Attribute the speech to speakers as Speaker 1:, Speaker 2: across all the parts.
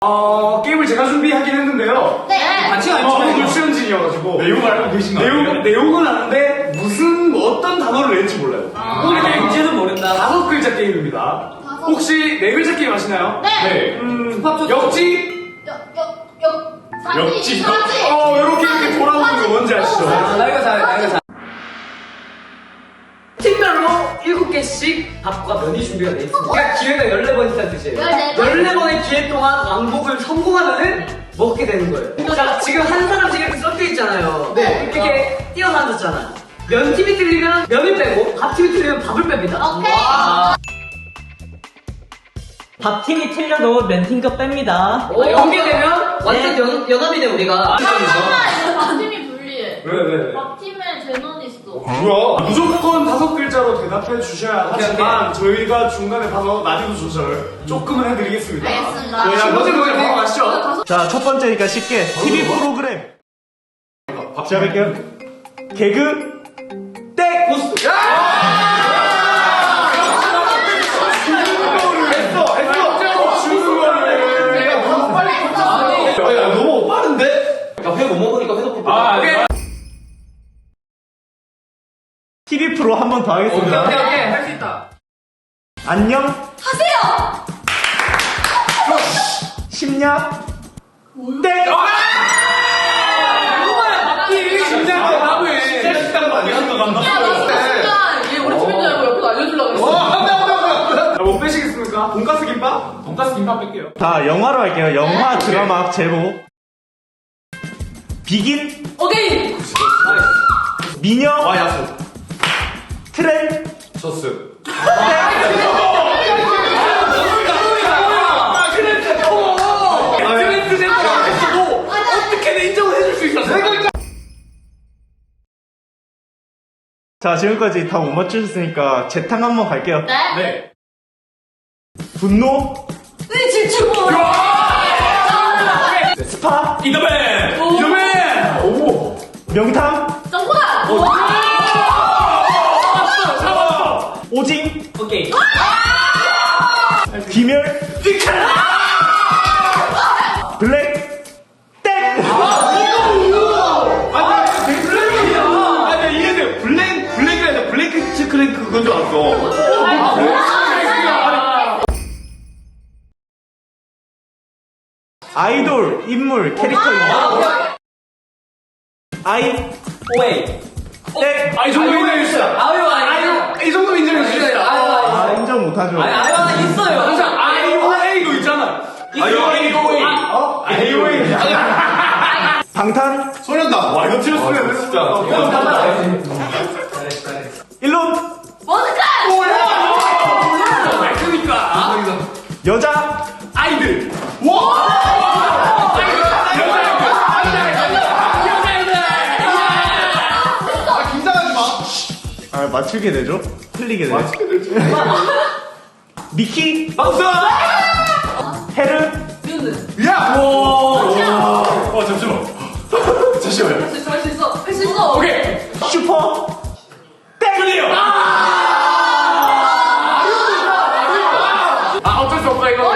Speaker 1: 게임을 제가 준비하긴 했는데요.
Speaker 2: 네.
Speaker 1: 같이 안 오늘 수현진이어가지고.
Speaker 3: 내용을 알고 계신 거 같아요?
Speaker 1: 내용은 아는데, 어떤 단어를 낼지 몰라요.
Speaker 2: 오늘
Speaker 1: 왠지는 모른다. 5글자 게임입니다. 혹시 4글자 게임 아시나요?
Speaker 2: 네.
Speaker 1: 역지?
Speaker 3: 역지.
Speaker 1: 이렇게 돌아오는 거 뭔지 아시죠?
Speaker 4: 나이가 잘. 팀별로 7개씩 밥과 면이 준비가 돼 있습니다. 그러니까 기회가 14번 있다는 뜻이에요. 14번의 기회 동안 왕복을 성공하면은 먹게 되는 거예요. 자, 지금 한 사람씩 이렇게 섞여 있잖아요.
Speaker 2: 네.
Speaker 4: 이렇게 뛰어서 앉았잖아. 면팀이 틀리면 면을 빼고 밥팀이 틀리면 밥을 뺍니다.
Speaker 2: 오케이.
Speaker 5: 밥팀이 틀려도 면팀도 뺍니다.
Speaker 4: 연계 되면 완전 연합이 돼 우리가.
Speaker 2: 이거 밥팀이 불리해.
Speaker 1: 왜?
Speaker 2: 밥팀에 제논 있어.
Speaker 1: 뭐야? 무조건 5글자로 대답해 주셔야 하지만 저희가 중간에 봐서 난이도 조절 조금은 해드리겠습니다.
Speaker 2: 알겠습니다.
Speaker 1: 네, 첫 번째 문제 바로 가시죠.
Speaker 3: 자, 첫 번째니까 쉽게 TV 프로그램 시작할게요. 개그 땡!
Speaker 4: 고스트.
Speaker 3: 너무 빠른데? 회 못 먹으니까 회도 TV 프로 한 번 더 하겠습니다.
Speaker 4: 오케이 할 수 있다.
Speaker 3: 안녕
Speaker 2: 하세요.
Speaker 3: 심야 땡!
Speaker 1: 심장도 하고 해.
Speaker 3: 식당도 아니야?
Speaker 2: 야, 나 순간 얘 우리 팀인 줄 알고 옆에서 알려주려고 그랬어.
Speaker 1: 못 빼시겠습니까? 돈가스 김밥?
Speaker 3: 돈가스 김밥 뺄게요. 자, 영화로 할게요. 영화 드라마 제목 비긴
Speaker 2: 오케이.
Speaker 3: 미녀
Speaker 1: 야수.
Speaker 3: 트렌
Speaker 1: 젖스.
Speaker 4: 어떻게든 인정을 해줄 수 있었어.
Speaker 3: 자, 지금까지 다 못 맞추셨으니까 재탕 한번 갈게요.
Speaker 2: 네.
Speaker 3: 분노
Speaker 2: 네, 집중호.
Speaker 3: 스파
Speaker 1: 이더맨!
Speaker 3: 명탐
Speaker 2: 정보다.
Speaker 3: 오징
Speaker 4: 오케이.
Speaker 3: 귀멸 블랙 땡!
Speaker 1: 아니, 이해돼. 블랙이 아니라 블랙 체크랭크 그건 줄 알았어.
Speaker 3: 아이돌 인물 캐릭터입니다. 아이
Speaker 4: 오웨이.
Speaker 3: 땡!
Speaker 1: 이 정도 인정해주시다.
Speaker 4: 아유.
Speaker 1: 이 정도 인정해주시다.
Speaker 3: 아, 인정 못하죠.
Speaker 4: 아유 하나 있어요.
Speaker 1: 항상 IOA도 있잖아. IOA. IOA.
Speaker 3: 방탄
Speaker 1: 소련다. 와, 이거 틀렸으면 진짜.
Speaker 3: 일론
Speaker 2: 머스카.
Speaker 1: 그러니까.
Speaker 3: 여자
Speaker 1: 아이들.
Speaker 3: 아, 맞추게 되죠? 틀리게 되죠? 미키
Speaker 1: 박수!
Speaker 3: 헤르
Speaker 1: 야! 잠시만. 잠시만요.
Speaker 2: 할 수 있어. 할 수 있어.
Speaker 1: 오케이.
Speaker 3: 슈퍼 땡!
Speaker 1: 클리어! 어쩔 수 없다, 이거.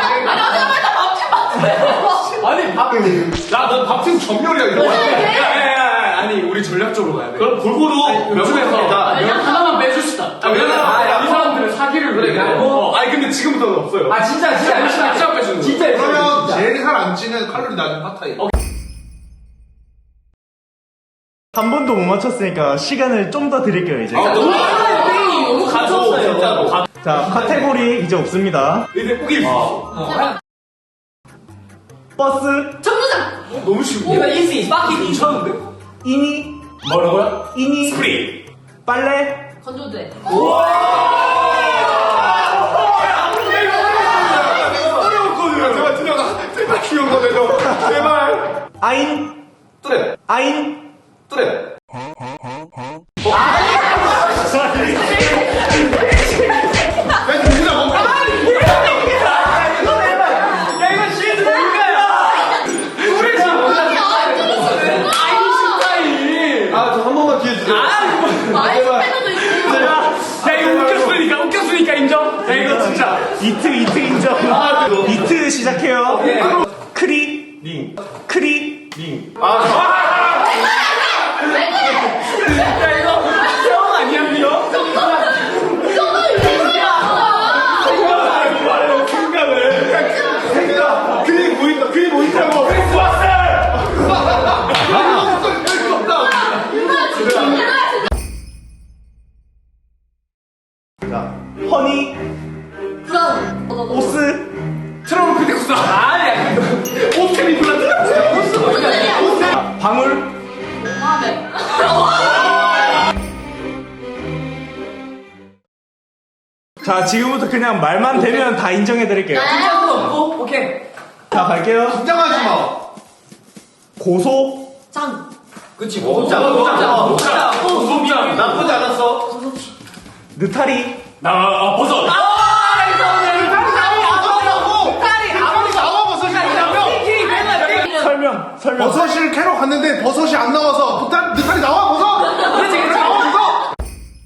Speaker 1: 넌 밥팀 전멸이야, 이거. 야. 아니, 우리 전략적으로 가야 돼. 그럼 골고루 요즘에서 면 하나만 빼줍시다. 이 사람들은 사기를 그래. 아니, 근데 지금부터는 없어요.
Speaker 4: 진짜
Speaker 1: 진짜 빼주는 거.
Speaker 4: 진짜
Speaker 6: 그러면 제일 살 안 찌는 칼로리 낮은 팟타이.
Speaker 3: 한 번도 못 맞췄으니까 시간을 좀 더 드릴게요, 이제.
Speaker 4: 너무 가졌어요.
Speaker 1: 진짜로.
Speaker 3: 자, 카테고리 이제 없습니다.
Speaker 1: 이제 꾸길 수 있어.
Speaker 3: 버스,
Speaker 2: 정류장.
Speaker 1: 너무 쉬워.
Speaker 4: 이거 이지 빠키니.
Speaker 1: 미쳤는데?
Speaker 3: 이니,
Speaker 1: 뭐라고요?
Speaker 3: 이니,
Speaker 1: 스프링.
Speaker 2: 건조대.
Speaker 3: 빨래,
Speaker 1: 어려웠거든요. 제발 기억나 내줘. 제발.
Speaker 3: 아인,
Speaker 1: 뚜레.
Speaker 3: 아인,
Speaker 1: 뚜레. 한 번만 기회 주세요.
Speaker 2: 많이 빼도 있어.
Speaker 1: 야, 이거 웃겼으니까 인정? 야, 이거 진짜.
Speaker 3: 이트 인정. 이트 시작해요. 큰
Speaker 1: 링.
Speaker 3: 크리.
Speaker 1: 링. 야, 이거 형 아니야, 형? 생각. 그게 보인다. 그게 보인다고. 크리스마스!
Speaker 3: 자, 허니.
Speaker 2: 브라운.
Speaker 3: 오스.
Speaker 1: 트러블 크리스마스. 아니야. 오스미 블라드. 오스.
Speaker 3: 방울.
Speaker 2: 마음에.
Speaker 3: 자, 지금부터 그냥 말만 되면 다 인정해드릴게요.
Speaker 4: 없고 오케이.
Speaker 3: 자, 갈게요.
Speaker 6: 긴장하지 마.
Speaker 3: 고소.
Speaker 2: 짱.
Speaker 1: 그치, 고소장. 고소장. 나쁘지 않았어.
Speaker 3: 느타리.
Speaker 1: 버섯.
Speaker 3: 설명.
Speaker 6: 버섯을 캐러 갔는데 버섯이 안 나와서 느타리 나와 버섯.
Speaker 4: 그렇지 그렇지.
Speaker 6: 버섯.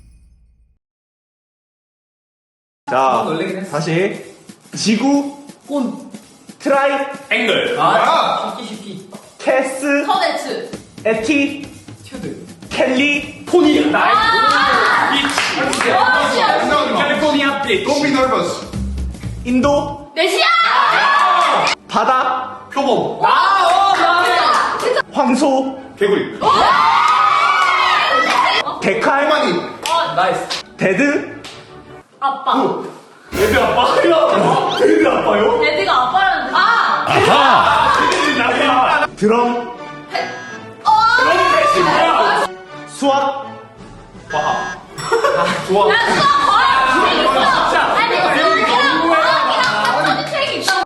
Speaker 3: 자,
Speaker 4: 놀래긴 했어.
Speaker 3: 다시. 지구.
Speaker 4: 혼.
Speaker 3: 트라이.
Speaker 1: 앵글.
Speaker 4: 쉽기.
Speaker 3: 캐스.
Speaker 2: 터네츠.
Speaker 3: 에티.
Speaker 4: 튜드.
Speaker 3: 켈리.
Speaker 1: 포니. 나이스. 비치.
Speaker 6: 긴장하지 마.
Speaker 1: 캘리포니아 비치.
Speaker 6: Don't be nervous.
Speaker 3: 인도.
Speaker 2: 내시야.
Speaker 3: 바다.
Speaker 1: 표범.
Speaker 3: 황소.
Speaker 1: 개구리.
Speaker 3: 데칼.
Speaker 6: 할머니.
Speaker 4: 나이스.
Speaker 3: 데드.
Speaker 2: 아빠.
Speaker 1: 애들 아빠요? 애들 아빠요?
Speaker 2: 레드가 아빠라는.
Speaker 1: 나야.
Speaker 3: 드럼.
Speaker 1: 너는 패시 뭐야?
Speaker 3: 수학.
Speaker 1: 과학. 좋아.
Speaker 2: 야, 수학 거야.
Speaker 1: 진짜.
Speaker 2: 아니,
Speaker 1: 내용이 너무
Speaker 2: 과학이랑 책이 있어.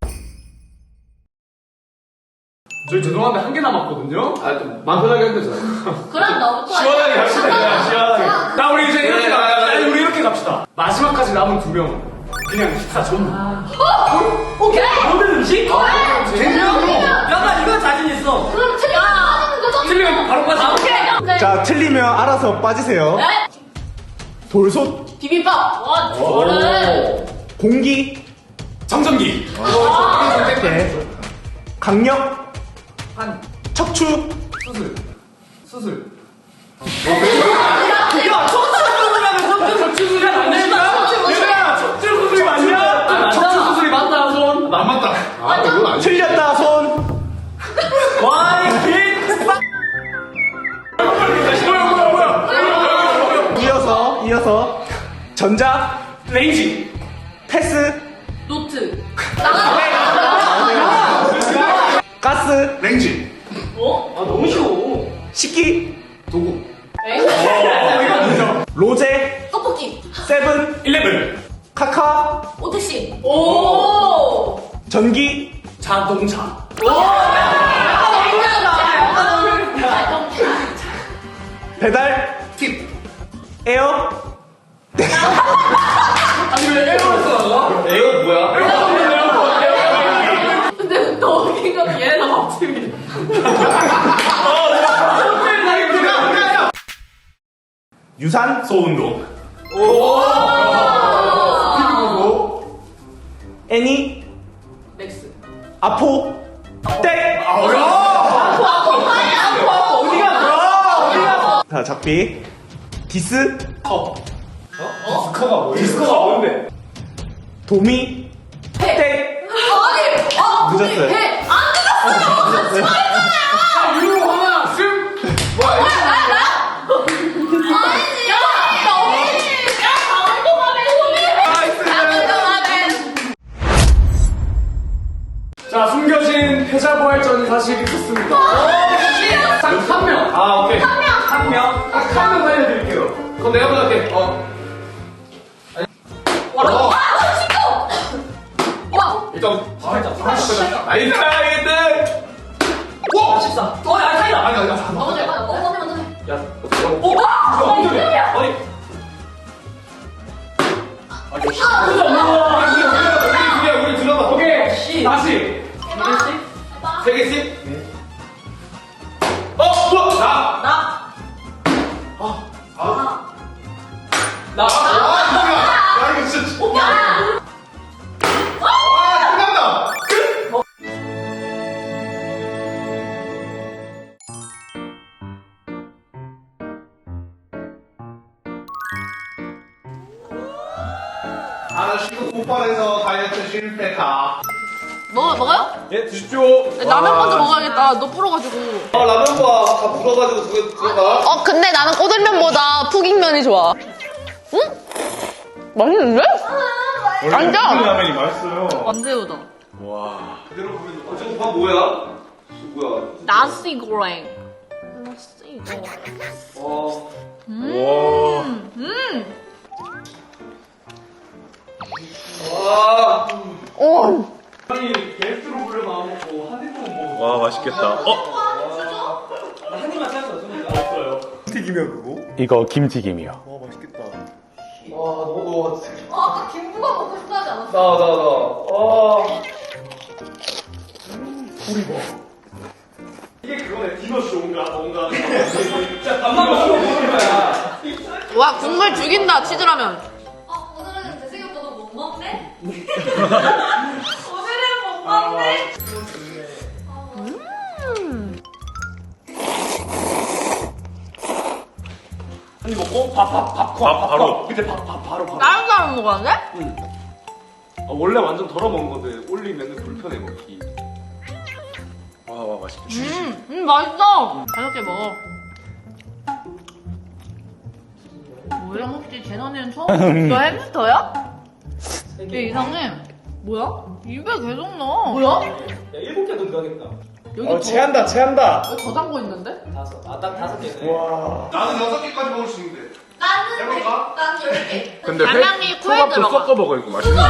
Speaker 1: 저희 죄송한데 한 개 남았거든요? 좀 마음 편하게 해도 되잖아요.
Speaker 2: 그럼 너부터.
Speaker 1: 시원하게 갑시다, 그냥 시원하게. 자, 우리 이제 이렇게 갑시다. 아니, 우리 이렇게 갑시다. 마지막까지 남은 2명. 그냥 식사 전부.
Speaker 2: 오케이.
Speaker 1: 모든 음식?
Speaker 4: 야나 이거 자신 있어.
Speaker 2: 그럼 틀리면 거죠?
Speaker 1: 틀리면 바로 빠져.
Speaker 2: 오케이.
Speaker 3: 자, 틀리면 알아서 빠지세요.
Speaker 2: 네.
Speaker 3: 돌솥.
Speaker 2: 비빔밥. 와, 저를.
Speaker 3: 공기.
Speaker 1: 청정기.
Speaker 3: 네. 강력.
Speaker 4: 한.
Speaker 3: 척추.
Speaker 4: 수술.
Speaker 1: 야, 척추 수술이 안 된다? 얘들아, 척추 수술이 맞냐? 척추 수술이 맞다, 손.
Speaker 6: 안 맞다. 이건 아니야.
Speaker 3: 틀렸다, 손.
Speaker 1: 와이, 빛! 뭐야.
Speaker 3: 이어서. 전자.
Speaker 1: 레인지.
Speaker 3: 패스.
Speaker 2: 노트.
Speaker 3: 가스.
Speaker 6: 렌지.
Speaker 2: 어?
Speaker 1: 너무 쉬워.
Speaker 3: 식기.
Speaker 1: 도구.
Speaker 2: 엥?
Speaker 3: 로제.
Speaker 2: 떡볶이.
Speaker 3: 세븐.
Speaker 1: 11.
Speaker 3: 카카.
Speaker 2: 오택시. 오.
Speaker 3: 전기.
Speaker 1: 자동차.
Speaker 3: 배달.
Speaker 6: 팁.
Speaker 3: 에어.
Speaker 1: 아니, 왜 에어를 써? 에어 뭐야?
Speaker 2: 근데 너 웃긴 건 얘네 다 밥집이야.
Speaker 3: 유산.
Speaker 1: 소운동.
Speaker 3: 애니.
Speaker 2: 맥스.
Speaker 3: 아포. 땡. 자, 작비. 디스.
Speaker 1: 디스커가 뭐야? 디스커가 뭔데?
Speaker 3: 도미. 땡.
Speaker 2: 아니.
Speaker 3: 늦었어요.
Speaker 2: 배. 안 늦었어요.
Speaker 1: 자, 유로 하나, 슴. 뭐야, 이거?
Speaker 2: 아니지. 야, 나 어린이. 야, 강동하면
Speaker 1: 자, 숨겨진 패자부활전이 사실 있었습니다. 한 명. 아, 오케이. 한 명. 딱 한 명 살려드릴게요. 그럼 내가 먼저 할게.
Speaker 2: 와, 신고. 와.
Speaker 1: 일단, 나이스, 나이스.
Speaker 6: 와.
Speaker 4: 14. 야 타이다.
Speaker 6: 아니.
Speaker 2: 먼저 해. 먼저 해.
Speaker 1: 야,
Speaker 2: 오, 와.
Speaker 1: 어디?
Speaker 2: 이름이야.
Speaker 1: 우리 들어봐. 오케이. 다시.
Speaker 2: 해봐.
Speaker 1: 3개씩? 뭐야?
Speaker 2: 나.
Speaker 1: 나.
Speaker 6: 야 이거 진짜.
Speaker 2: 야.
Speaker 6: 끝난다. 나는 시도 폭발해서 다이어트 실패다.
Speaker 2: 먹어요?
Speaker 1: 예, 드십시오.
Speaker 2: 라면 먼저 먹어야겠다. 너 불어가지고.
Speaker 1: 라면과 다 불어가지고 들어가.
Speaker 2: 근데 나는 꼬들면보다 푸김면이 좋아. 응? 맛있는데? 완전!
Speaker 3: 라면이 맛있어요.
Speaker 2: 완새우다.
Speaker 1: 그대로 보면 저거 밥 뭐야? 뭐야?
Speaker 2: 나시 고랭. 나시 고랭.
Speaker 1: 와.
Speaker 2: 오.
Speaker 1: 아니 게스트로 불러 나와먹고 한 입만 먹어.
Speaker 3: 와, 맛있겠다.
Speaker 4: 한 입만 찾았어.
Speaker 3: 튀기면 그거?
Speaker 7: 이거 김튀김이요.
Speaker 3: 와, 맛있겠다.
Speaker 1: 너
Speaker 2: 아까 김부각 먹고 싶다 하지 않았어?
Speaker 1: 나. 이게 그거네. 디너쇼 뭔가. 진짜 밥만 먹으면 거야.
Speaker 2: 와, 국물 죽인다, 치즈라면.
Speaker 8: 오늘은 제 생각보다 못 먹네? 오늘은 못 먹네?
Speaker 1: 한입 먹고 밥 바로. 그때 밥 바로.
Speaker 2: 다른 사람 먹었는데?
Speaker 1: 원래 완전 덜어 먹은 건데 올리면 불편해 먹기.
Speaker 3: 와, 맛있겠다.
Speaker 2: 맛있어. 5개 먹어. 뭐야, 혹시 재난이는 처음? 너 햄스터야? 얘 이상해. 뭐야? 입에 계속 넣어. 뭐야?
Speaker 4: 야, 7개도 들어가겠다.
Speaker 2: 여기
Speaker 3: 체한다.
Speaker 2: 더 담고 있는데?
Speaker 4: 5. 딱 5개네.
Speaker 3: 와.
Speaker 6: 나는 6개까지 먹을 수 있는데.
Speaker 8: 나는
Speaker 6: 해볼까?
Speaker 8: 난 10개.
Speaker 3: 근데
Speaker 2: 달걀이 코에 들어가.
Speaker 3: 먹어, 이거 맛있는데.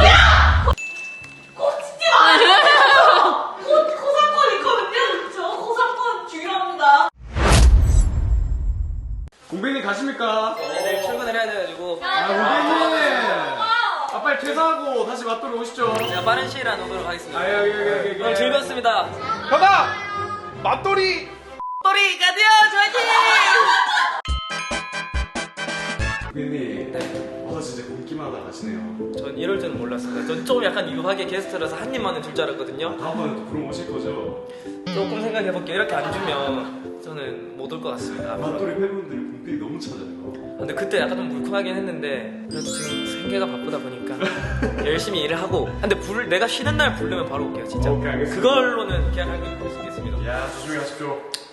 Speaker 8: 꽂히지 마요. 고상권 있거든요. 저 고상권 중요합니다.
Speaker 1: 공백님 가십니까?
Speaker 4: 내일 출근을 해야 돼가지고
Speaker 1: 공백님. 빨리 퇴사하고 다시 맞돌이 오시죠.
Speaker 4: 제가 빠른 시일 안에 오도록 하겠습니다.
Speaker 1: 여기.
Speaker 4: 오늘 즐거웠습니다.
Speaker 3: 형아! 맛돌이!
Speaker 4: 또리 가디오 화이팅!
Speaker 1: 공백님. 진짜 굶기만 하다 가시네요.
Speaker 4: 전 이럴 줄은 몰랐습니다. 전 좀 약간 유하게 게스트라서 한 입만은 줄 줄 알았거든요.
Speaker 1: 다음번에 또 부르면 오실 거죠?
Speaker 4: 조금 생각해볼게요. 이렇게 안 주면 저는 못 올 것 같습니다.
Speaker 1: 맞돌이 팬분들이 공백이 너무 찾아요.
Speaker 4: 근데 그때 약간 좀 물컹하긴 했는데 그래도 지금 생계가 바쁘다 보니까 열심히 일을 하고 근데 내가 쉬는 날 부르면 바로 올게요 진짜.
Speaker 1: 오케이, 알겠습니다.
Speaker 4: 그걸로는 계약할 수 있겠습니다.
Speaker 1: 야, 조심히 가십시오.